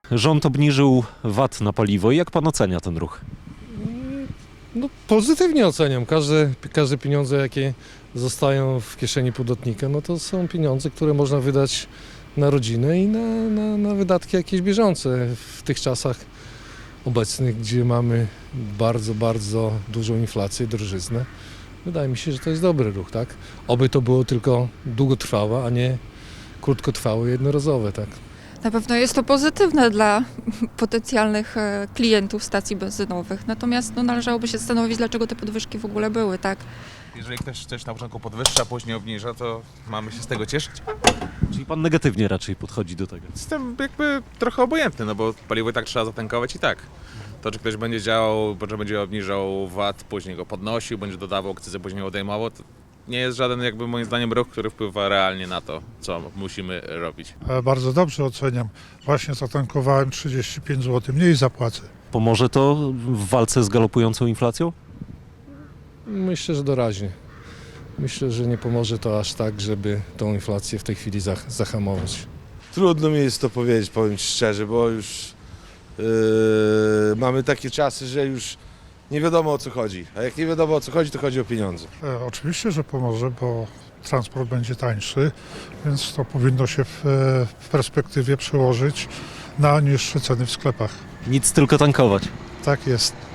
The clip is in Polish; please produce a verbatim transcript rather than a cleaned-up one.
Rząd obniżył V A T na paliwo. Jak pan ocenia ten ruch? No, pozytywnie oceniam. Każde, każde pieniądze, jakie zostają w kieszeni podatnika, no to są pieniądze, które można wydać na rodzinę i na, na, na wydatki jakieś bieżące. W tych czasach obecnych, gdzie mamy bardzo, bardzo dużą inflację, drożyznę, wydaje mi się, że to jest dobry ruch, tak? Oby to było tylko długotrwałe, a nie krótkotrwałe, jednorazowe, tak? Na pewno jest to pozytywne dla potencjalnych e, klientów stacji benzynowych, natomiast no, należałoby się zastanowić, dlaczego te podwyżki w ogóle były, tak? Jeżeli ktoś coś na początku podwyższa, później obniża, to mamy się z tego cieszyć. Czyli pan negatywnie raczej podchodzi do tego. Jestem jakby trochę obojętny, no bo paliwo i tak trzeba zatankować i tak. To, czy ktoś będzie działał, że będzie obniżał V A T, później go podnosił, będzie dodawał akcyzę, później odejmował, to nie jest żaden jakby moim zdaniem ruch, który wpływa realnie na to, co musimy robić. E, Bardzo dobrze oceniam. Właśnie zatankowałem trzydzieści pięć złotych, mniej zapłacę. Pomoże to w walce z galopującą inflacją? Myślę, że doraźnie. Myślę, że nie pomoże to aż tak, żeby tą inflację w tej chwili zah- zahamować. Trudno mi jest to powiedzieć, powiem ci szczerze, bo już yy, mamy takie czasy, że już nie wiadomo o co chodzi. A jak nie wiadomo o co chodzi, to chodzi o pieniądze. E, Oczywiście, że pomoże, bo transport będzie tańszy, więc to powinno się w, e, w perspektywie przełożyć na niższe ceny w sklepach. Nic, tylko tankować. Tak jest.